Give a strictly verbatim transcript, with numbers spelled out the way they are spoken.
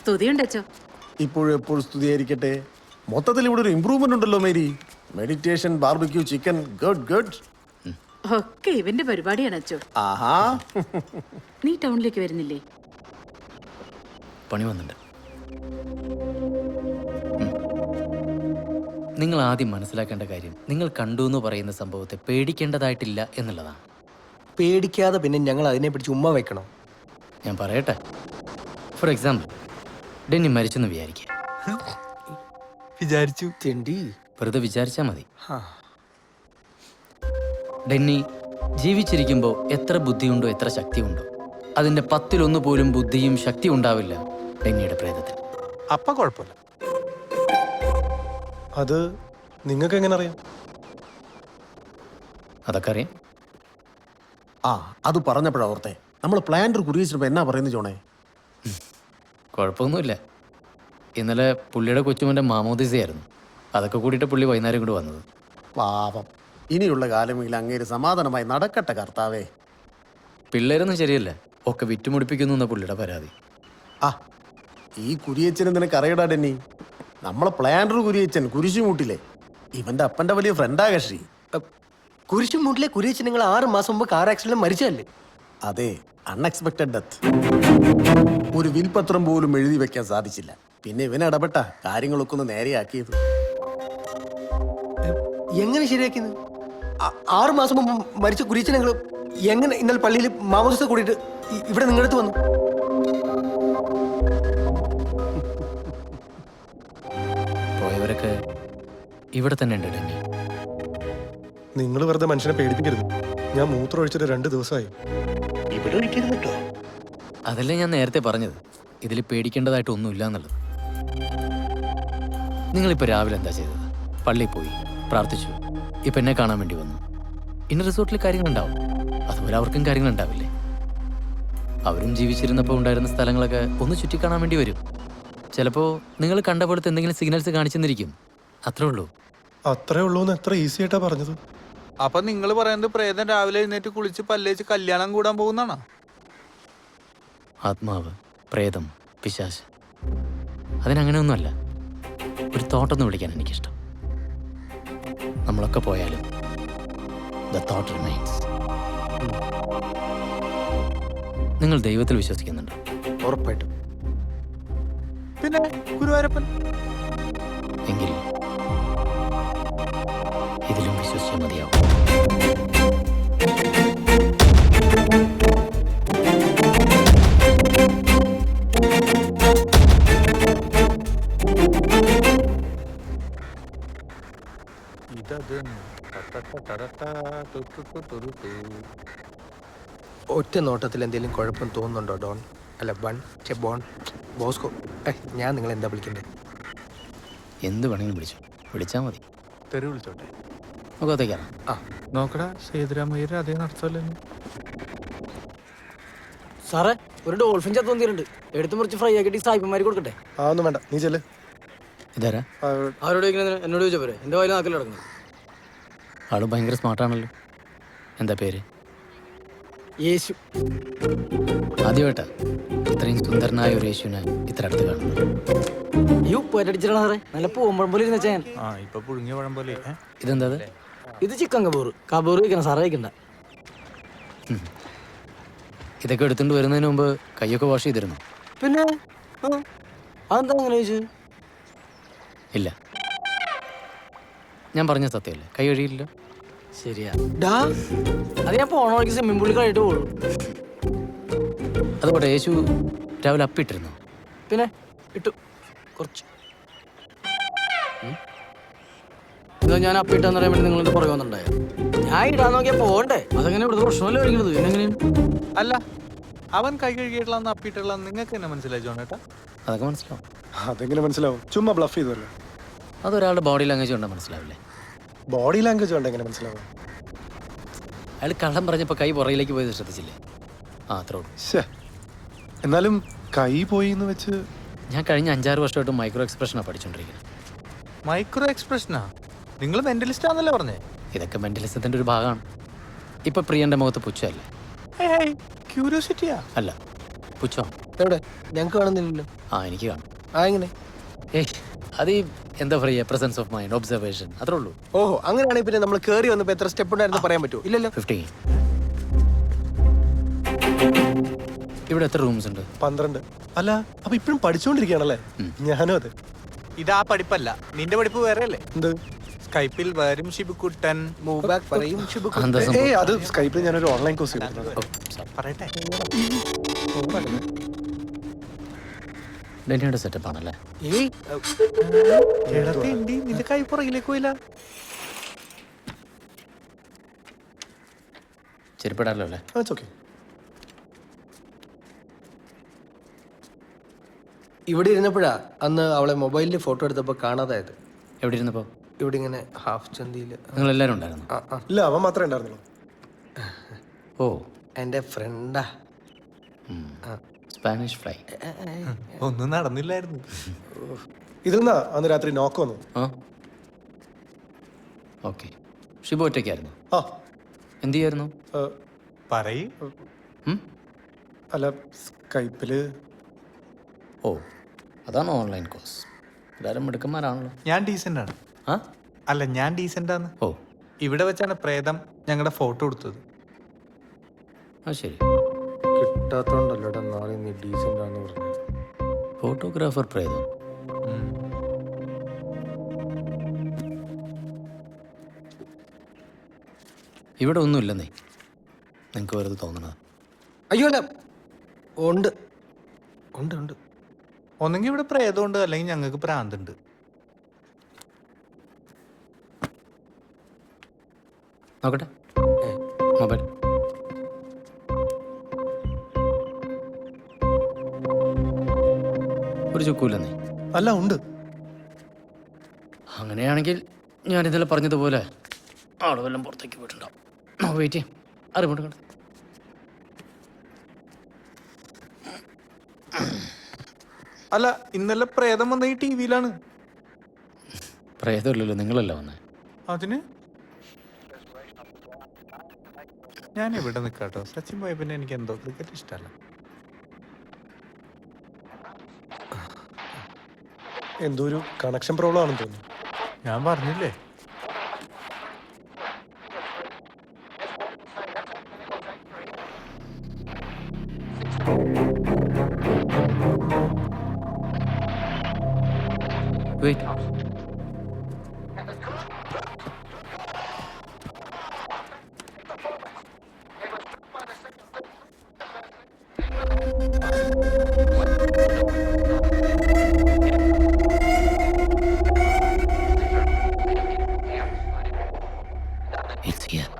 സ്തുതിയുണ്ട് അച്ചോ. ഇപ്പോഴും എപ്പോഴും സ്തുതിയായിരിക്കട്ടെ. മൊത്തത്തിൽ ഇവിടെ ഒരു ഇമ്പ്രൂവ്മെന്റ് ഉണ്ടല്ലോ Mary. Meditation, barbecue, chicken, good good. ഒക്കെ ഇവന്റെ പരിപാടിയാണ് അച്ചോ. ആഹാ. നീ ടൗണിലേക്ക് വരുന്നില്ലേ? പണി വന്നിട്ടുണ്ട്. നിങ്ങൾ ആദ്യം മനസ്സിലാക്കേണ്ട കാര്യം, നിങ്ങൾ കണ്ടു എന്ന് പറയുന്ന സംഭവത്തെ പേടിക്കേണ്ടതായിട്ടില്ല എന്നുള്ളതാണ്. പേടിക്കാതെ പിന്നെ ഞങ്ങൾ അതിനെ പിടിച്ച് ഉമ്മ വെക്കണം. ഞാൻ പറയട്ടെ, ഫോർ എക്സാമ്പിൾ, ഡെന്നി മരിച്ചെന്ന് വിചാരിക്കുക. വിചാരിച്ചു തെണ്ടി. വെറുതെ വിചാരിച്ചാൽ മതി. ഡെന്നി ജീവിച്ചിരിക്കുമ്പോൾ എത്ര ബുദ്ധിയുണ്ടോ എത്ര ശക്തിയുണ്ടോ അതിൻ്റെ പത്തിലൊന്നു പോലും ബുദ്ധിയും ശക്തി ഉണ്ടാവില്ല ഡെന്നിയുടെ പ്രേതത്തിൽ. അപ്പ കുഴപ്പമില്ല. അത് നിങ്ങൾക്ക് എങ്ങനെ അറിയാം? അതൊക്കെ അറിയാം. ആ അത് പറഞ്ഞപ്പോഴാ ഓർത്തെ, നമ്മൾ പ്ലാന്റർ കുറിയിച്ചപ്പോ എന്നാ പറയുന്നത് ജോണേ? കുഴപ്പമൊന്നുമില്ല. ഇന്നലെ പുള്ളിയുടെ കൊച്ചുമൻ്റെ മാമോദിസയായിരുന്നു. അതൊക്കെ കൂടിയിട്ട് പുള്ളി വൈകുന്നേരം കൂടി വന്നത്. പാപം. ഇനിയുള്ള കാലമെങ്കിൽ അങ്ങേര് സമാധാനമായി നടക്കട്ടെ കർത്താവേ. പിള്ളേരൊന്നും ശരിയല്ല, ഒക്കെ വിറ്റുമുടിപ്പിക്കുന്നു എന്ന പുള്ളിയുടെ പരാതി. ആ ഈ കുരിയച്ചനെ നിനക്ക് അറിയടാ ഡെന്നി. നമ്മളെ പ്ലാന്റർ കുരിയച്ചൻ കുരിശുമൂട്ടിലെ ഇവന്റെ അപ്പന്റെ വലിയ ഫ്രണ്ടാ കക്ഷി. കുരിശുമൂട്ടിലെ കുരിയച്ചൻ നിങ്ങൾ ആറ് മാസം മുമ്പ് കാർ ആക്സിഡന്റ് മരിച്ചല്ലേ? അതെ, അൺഎക്സ്പെക്ടഡ് ഡെത്ത്. ഒരു വിൽപത്രം പോലും എഴുതി വെക്കാൻ സാധിച്ചില്ല. പിന്നെ ഇവൻ ഇടപെട്ട കാര്യങ്ങളൊക്കെ ഒന്ന് നേരെയാക്കിയത്. എങ്ങനെ ശരിയാക്കിയത്? ആറ് മാസം മുമ്പ് മരിച്ച കുരിയച്ചൻ നിങ്ങൾ എങ്ങനെ ഇന്നലെ പള്ളിയിൽ മാമോദിസ കൂടിയിട്ട് ഇവിടെ നിങ്ങളടുത്ത് വന്നു? പോയവരൊക്കെ ഇവിടെ തന്നെ ഉണ്ട് ഡെന്നി. നിങ്ങൾ വെറുതെ മനുഷ്യനെ പേടിപ്പിക്കരുത്. ഞാൻ മൂത്രം ഒഴിച്ചിട്ട് രണ്ട് ദിവസമായി. ഇവിടെ ഒഴിക്കരുത് കേട്ടോ. അതല്ലേ ഞാൻ നേരത്തെ പറഞ്ഞത്, ഇതിൽ പേടിക്കേണ്ടതായിട്ട് ഒന്നുമില്ല എന്നുള്ളത്. നിങ്ങളിപ്പോൾ രാവിലെ എന്താ ചെയ്തത്? പള്ളിയിൽ പോയി പ്രാർത്ഥിച്ചു, ഇപ്പം എന്നെ കാണാൻ വേണ്ടി വന്നു. ഇന്ന റിസോർട്ടിൽ കാര്യങ്ങളുണ്ടാവും, അതുപോലെ അവർക്കും കാര്യങ്ങളുണ്ടാവില്ലേ? അവരും ജീവിച്ചിരുന്നപ്പോൾ ഉണ്ടായിരുന്ന സ്ഥലങ്ങളൊക്കെ ഒന്ന് ചുറ്റിക്കാണാൻ വേണ്ടി വരും. ചിലപ്പോൾ നിങ്ങൾ കണ്ട പോലത്തെ എന്തെങ്കിലും സിഗ്നൽസ് കാണിച്ചെന്നിരിക്കും. അത്രേ ഉള്ളൂ. അത്രേ ഉള്ളൂ എന്ന് എത്ര ഈസി ആയിട്ടാ പറഞ്ഞത്. അപ്പൊ നിങ്ങൾ പറയുന്നത് പ്രേതം രാവിലെ എഴുന്നേറ്റ് കുളിച്ച് പല്ലേച്ച് കല്യാണം കൂടാൻ പോകുന്നാണോ? ആത്മാവ്, പ്രേതം, പിശാച്, അതിനങ്ങനെയൊന്നുമല്ല. ഒരു തോട്ടൊന്ന് വിളിക്കാൻ എനിക്കിഷ്ടം. നമ്മളൊക്കെ പോയാലും ദ തോട്ട് റിമൈൻസ്. നിങ്ങൾ ദൈവത്തിൽ വിശ്വസിക്കുന്നുണ്ടോ? ഉറപ്പായിട്ടും. പിന്നെ ഗുരുവായൂരപ്പൻ. എങ്കിൽ ഇതിലും വിശ്വസിച്ചാൽ മതിയാവും. ഒറ്റ നോട്ടത്തിൽ എന്തെങ്കിലും കുഴപ്പം തോന്നുന്നുണ്ടോ ഡോൺ? അല്ല ബൺ ചെ ബോൺ ബോസ്കോ. ഞാൻ നിങ്ങൾ എന്താ വിളിക്കണ്ടേ? എന്ത് വേണമെങ്കിലും വിളിച്ചു, വിളിച്ചാൽ മതി. തെറി വിളിച്ചോട്ടെ. മുഖത്തേക്കാണ്. ആ നോക്കടാ, സേതുരാമയ്യർ അതേ നടത്തല്ലോ. സാറേ, ഒരു ഡോൾഫിൻ ചത്തു വന്നിട്ടുണ്ട്. എടുത്ത് മുറിച്ച് ഫ്രൈ ആക്കിയിട്ട് സായിപ്പന്മാർ കൊടുക്കട്ടെ? ആ ഒന്നും വേണ്ട, നീ ചെല്ല്. ഇതാരാ? അവരോട് ചോദിക്കുന്നത് എന്നോട് ചോദിച്ചാൽ പോരെ? എൻ്റെ വായിൽ നാക്കിൽ കിടക്കുന്നത്. ആള് ഭയങ്കര സ്മാർട്ടാണല്ലോ. എന്താ പേര്? യേശു. ആദ്യമായിട്ടാ ഇത്രയും സുന്ദരനായ ഒരു യേശുവിനെ ഇത്ര അടുത്ത് കാണുന്നത്. ഈ ഉപ്പേറ്റടിച്ചിട്ടാണ് സാറേ, നല്ല പൂമ്പഴം പോലെ ഇരുന്ന ചെയ്യാൻ. ആ ഇപ്പൊ പുഴുങ്ങിയ പഴം പോലെ. ഇതെന്താ? ഇത് ചിക്കൻ കബൂർ. കബൂർ വയ്ക്കണം സാറേ, വയ്ക്കണ്ട. ഇതൊക്കെ എടുത്തുകൊണ്ട് വരുന്നതിന് മുമ്പ് കൈയൊക്കെ വാഷ് ചെയ്തിരുന്നു? പിന്നെ അതെന്താ അങ്ങനെ ചോദിച്ചു? ഇല്ല, ഞാൻ പറഞ്ഞ സത്യമല്ലേ, കൈ കഴിയില്ല. ശരിയാ. ഡാ, അത് ഞാൻ പോണ വഴിക്ക് സ്വിമ്മിംഗ് പൂളിൽ കഴിയിട്ട് പോകുള്ളൂ. അതുപോലെ യേശു രാവിലെ അപ്പിട്ടിരുന്നു? പിന്നെ ഇട്ടു കുറച്ച്. ഇതാ ഞാൻ അപ്പിട്ടെന്ന് പറയാൻ വേണ്ടി നിങ്ങളുടെ പുറകെ വന്നിട്ടുണ്ടായ. ഞാൻ ഇടാൻ നോക്കിയാൽ പോകണ്ടേ? അതങ്ങനെ ഇവിടുത്തെ പ്രശ്നമല്ലേ കഴിക്കുന്നത്? പിന്നെങ്ങനെയാണ്? അല്ല, അവൻ കൈ കഴുകിയിട്ടുള്ള അപ്പിട്ടുള്ള നിങ്ങൾക്ക് എന്നെ മനസ്സിലായി ജോണേട്ടാ? അതൊക്കെ മനസ്സിലാവും. അതെങ്ങനെ മനസ്സിലാവും? ചുമ്മാ ബ്ലഫ് ചെയ്തല്ലോ. അതൊരാളുടെ ബോഡി ലാംഗ്വേജ് കൊണ്ടാ മനസ്സിലാവില്ലേ? ബോഡി ലാംഗ്വേജ് കൊണ്ട് എങ്ങനെ മനസ്സിലാവും? അയാൾ കള്ളം പറഞ്ഞപ്പോൾ കൈ പുറകിലേക്ക് പോയത് ശ്രദ്ധിച്ചില്ലേ? ആ അത്രേ ഉള്ളൂ. ശേ, എന്നാലും കൈ പോയി എന്ന് വെച്ച്. ഞാൻ കഴിഞ്ഞ അഞ്ചാറ് വർഷമായിട്ട് മൈക്രോ എക്സ്പ്രഷനാണ് പഠിച്ചുകൊണ്ടിരിക്കുന്നത്. മൈക്രോ എക്സ്പ്രഷനാ? നിങ്ങൾ മെന്റലിസ്റ്റ് ആണെന്നല്ലേ പറഞ്ഞേ? ഇതൊക്കെ മെന്റലിസത്തിന്റെ ഒരു ഭാഗമാണ്. ഇപ്പൊ പ്രിയന്റെ മുഖത്ത് പുച്ഛമല്ലേ? ക്യൂരിയോസിറ്റിയാ? അല്ല, പുച്ഛം. എവിടെ ഞങ്ങൾക്ക് കാണുന്നില്ലല്ലോ. ആ എനിക്ക് കാണും. ആ എങ്ങനെ? ഏയ് അത് ഈ എന്താ പറയുക പ്രസൻസ് ഓഫ് മൈൻഡ്, ഒബ്സർവേഷൻ, അത്രേ ഉള്ളൂ. ഓഹോ, അങ്ങനെയാണെങ്കിൽ പിന്നെ നമ്മൾ കയറി വന്നപ്പോൾ എത്ര സ്റ്റെപ്പ് ഉണ്ടായിരുന്നു പറയാൻ പറ്റുമോ? ഇല്ലല്ലോ. ഫിഫ്റ്റീൻ. ഇവിടെ എത്ര റൂംസ് ഉണ്ട്? പന്ത്രണ്ട്. അല്ല അപ്പൊ ഇപ്പഴും പഠിച്ചുകൊണ്ടിരിക്കുകയാണല്ലേ? ഞാനും അതെ. ഇതാ പഠിപ്പല്ല, നിന്റെ പഠിപ്പ് വേറെ അല്ലേ? എന്ത്? സ്കൈപ്പിൽ വരും ഷിബുക്കുട്ടൻ. മൂവ് ബാക്ക് പറയും ശുഭ. എന്താ സംഭവം? ഏയ് അത് സ്കൈപ്പിൽ ഞാനൊരു ഓൺലൈൻ കോഴ്സ് ചെയ്തിട്ടുണ്ട്. പറയട്ടെ. ഡെന്നിയുടെ സെറ്റപ്പ് ആണല്ലേ? ഏയ് എടത്തെ ഉണ്ട്, നിന്റെ കൈ പുറകിലേക്ക് പോയില്ല. ചെരുപ്പിടാലോ അല്ലേ? ഓക്കെ. ഇവിടെ ഇരുന്നപ്പോഴാ അന്ന് അവളെ മൊബൈലിൽ ഫോട്ടോ എടുത്തപ്പോൾ കാണാതായത്. എവിടെ ഇരുന്നപ്പോ? ഇവിടെ ഇങ്ങനെ ഹാഫ് ചന്തിയിൽ. നിങ്ങൾ എല്ലാവരും ഉണ്ടായിരുന്നു? ആ ആ ഇല്ല അവൻ മാത്രമേ ഉണ്ടായിരുന്നുള്ളൂ. ഓ, എൻ്റെ ഫ്രണ്ടാ. Spanish fly. ഒന്നും നടന്നില്ലായിരുന്നു. ഇതിൽ നിന്നാ അന്ന് രാത്രി നോക്ക് വന്നു. ആ ഓക്കെ. ഷിബു ഒറ്റയ്ക്കായിരുന്നു? ആ എന്ത് ചെയ്യായിരുന്നു? ഏ, പറയ്. ഉം? അല്ല സ്കൈപ്പില്. ഓ, അതാണ് ഓൺലൈൻ കോഴ്സ്. എല്ലാവരും മിടുക്കന്മാരാണല്ലോ. ഞാൻ ഡീസന്റ് ആണ്. ആ അല്ല, ഞാൻ ഡീസന്റ് ആണ്. ഓ, ഇവിടെ വെച്ചാണ് പ്രേതം ഞങ്ങളുടെ ഫോട്ടോ എടുത്തത്. ആ ശരി. കിട്ടാത്തോണ്ടല്ലോടാ നാളെ നീ ഡീസൻ്റ് ആണെന്ന് പറഞ്ഞു. ഫോട്ടോഗ്രാഫർ പ്രേതം. ഇവിടെ ഒന്നുമില്ലെന്നേ, നിങ്ങൾക്ക് വെറുതെ തോന്നണത്. അയ്യോ അല്ല, ഉണ്ട് ഉണ്ട് ഉണ്ട്. ഒന്നെങ്കിൽ ഇവിടെ പ്രേതമുണ്ട്, അല്ലെങ്കിൽ ഞങ്ങൾക്ക് പ്രാന്തുണ്ട്. നോക്കട്ടെ മൊബൈൽ. ഒരു ചുക്കൂല്ലെന്നേ. അല്ല ഉണ്ട്. അങ്ങനെയാണെങ്കിൽ ഞാൻ ഇന്നലെ പറഞ്ഞതുപോലെ ആള് വല്ലതും പുറത്തേക്ക് പോയിട്ടുണ്ടാവും. വെയിറ്റ് ചെയ്യാം, അറിവുണ്ട് കണ്ടു. അല്ല, ഇന്നലെ പ്രേതം വന്ന ഈ ടി വിയിലാണ്. പ്രേതമില്ലല്ലോ, നിങ്ങളല്ല വന്നേ. അതിന് ഞാൻ ഇവിടെ നിൽക്കാട്ടോ. സച്ചിൻ പോയ പിന്നെ എനിക്ക് എന്തോ ക്രിക്കറ്റ് ഇഷ്ടമല്ല. എന്തോ ഒരു കണക്ഷൻ പ്രോബ്ലം ആണെന്ന് തോന്നുന്നു. ഞാൻ പറഞ്ഞില്ലേ. വെയിറ്റ്. It's here.